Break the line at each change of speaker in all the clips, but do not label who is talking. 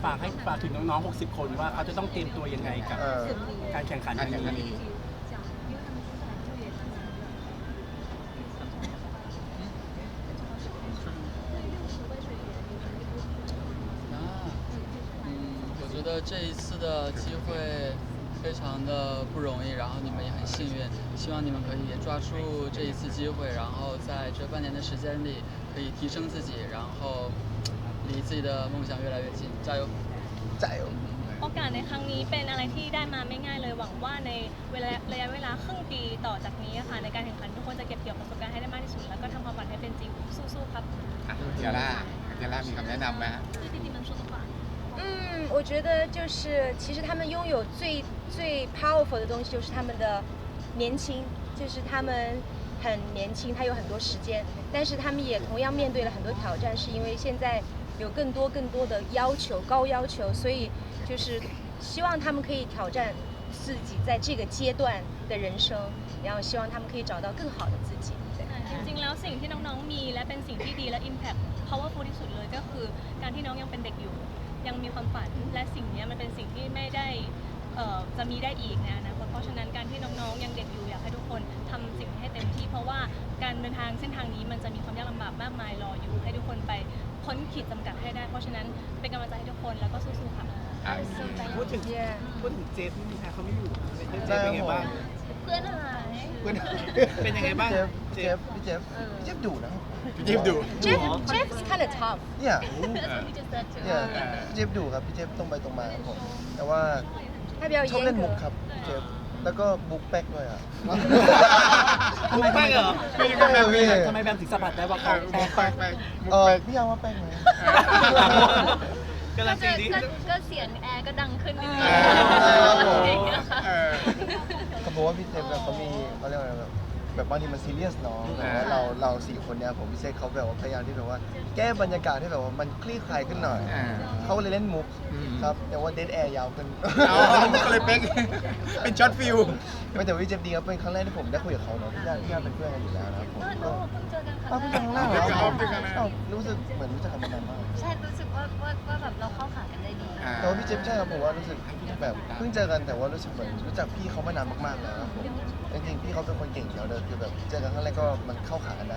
ฝากถึงน้องๆ60 คนว่าเขาจะต้องเตรียมตัวยังไงกับการแข่งขันครั้งนี้。
我觉得这一次的机会非常的不容易，然后你们也很幸运，希望你们可以抓住这一次机会，然后在这半年的时间里可以提升自己，然后离自己的梦想越来越近，加油！
加油！
โอกาสในครั้งนี้เป็นอะไรที่ได้มาไม่ง่ายเลยหวังว่าในระยะเวลาครึ่งปีต่อจากนี้ค่ะในการแข่งขันทุกคนจะเก็บเกี่ยวประสบการณ์ให้ได้มากที่สุดแล้วก็ทำความฝันให้เป็นจริงสู้ๆครับ
เจล่ามีคำแนะนำไหมฮะ
我觉得就是其实他们拥有最 powerful 的东西就是他们的年轻，就是他们很年轻，他有很多时间，但是他们也同样面对了很多挑战，是因为现在有更多的要求，高要求，所以就是希望他们可以挑战自己在这个阶段的人生，然后希望他们可以找到更好的自己。
จริงๆแล้วสิ่งที่น้องๆมีและเป็นสิ่งที่ดีและ impact powerful ที่สุดเลยก็คือการที่น้องยังเป็นเด็กอยู่ยังมีความฝันและสิ่งนี้มันเป็นสิ่งที่ไม่ได้จะมีได้อีกในอนาคตเพราะฉะนั้นการที่น้องๆยังเด็กอยู่อยากให้ทุกคนทำสิ่งให้เต็มที่เพราะว่าการเดินทางเส้นทางนี้มันจะมีความยากลำบากมากมายรออยู่ให้ทุกคนไปพ้นขีดจำกัดให้ได้เพราะฉะนั้นเป็นกำลังใจให้ทุกคนแล้วก็สู้ๆค่ะ
พูดถึงเจฟนี่ค่ะเขาไม่อยู่เจฟเป็นไงบ้าง
เพื่อนหาย
เป็นยังไงบ้าง
พี่เจฟดุนะ
พี่เจฟดุ
Jeff is kind of tough
เนี่ยพี่เจฟดุครับพี่เจฟตรงไปตรงมาครับผมแต่ว่าชอบเล่นมุกครับพี่เจฟแล้วก็บุ๊กแป๊กด้วยอ่ะ
ทำไมแป๊กเหรอทำไมแบมถึงสัมผัสได้ว่าเขาแป๊ก
พี่ยาวว่าแป๊กไหม
ก็เสียงแอร์ก็ดังขึ้นนิดนึง
เขาบอกว่าพี่เจฟเขามีเขาเรียกว่าอะไรแบบบางทีมันซีเรียสเนาะแต่ว่าเรา4 คนเนี่ยผมพี่เจฟเขาแบบว่าพยายามที่แบบว่าแก้บรรยากาศให้แบบว่ามันคลี่คลายขึ้นหน่อยเขาเลยเล่นมุกครับแต่ว่าเดดแอร์ยาวขึ้น
ก็เลยเป็นช็อตฟิล
ไม่แต่พี่เจฟดีครับเป็นครั้งแรกที่ผมได้คุยกับเขาเนาะพี่ย่าเป็นเพื่อนกันอยู่แล้วนะผมก็
เพิ่งเจอกัน
ครั้งแรกเหรอรู้สึกเหมือนรู้จักกันมานานมาก
ใช่รู้สึกว่าแบบเราเข้าขากันได้ดี
แต่ว่าพี่เจฟใช่ครับผมว่ารู้สึกแบบเพิ่งเจอกันแต่ว่ารู้สึกเหมือนรู้จักพี่เขามานานมากๆแล้วครับผมจริงๆพี่เขาเป็นคนเก่งอยู่แล้วเลยคือแบบเจอกันครั้งแรกก็มันเข้าขากันได้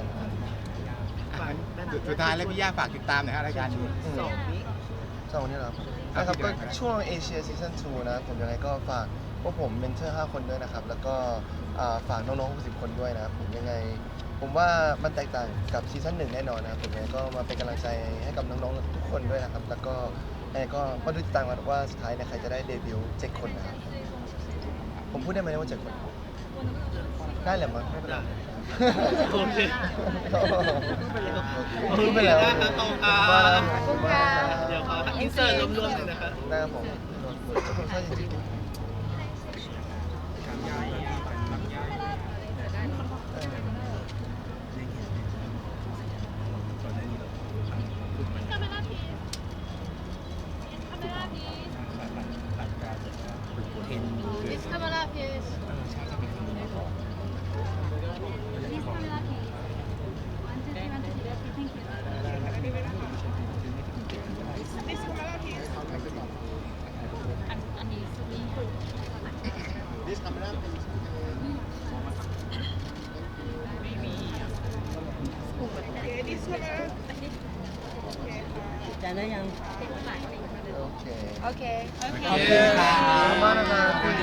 สุดท้ายแล้วพี่ย่าฝากติดตามหน่อยฮะรายการนี้
สองนี้เหรอนะครับก็ช่วงเอเชียซีซั่น2นะผมยังไงก็ฝากพวกผมเมนเทอร์5 คนด้วยนะครับแล้วก็ฝากน้องๆ60 คนด้วยนะผมยังไงผมว่ามันแตกต่างกับซีซั่น1แน่นอนนะผมยังไงก็มาเป็นกำลังใจให้กับน้องๆทุกคนด้วยนะครับแล้วก็ก็มาดูติดตามกันว่าสุดท้ายเนี่ยใครจะได้เดบิวต์7 คนนะครับผมพูดได้ไหมว่า7 คนได้แหละมั้งไม่เป็นไร
โอเค
พูดไปแล้ว
เดี๋ยวขออินเสิร์ตรวมๆเลยนะครับ
ได้ครับผมใช่จริง
จานได้ยัง
โอเค
โอเค
ขอบคุณค่ะ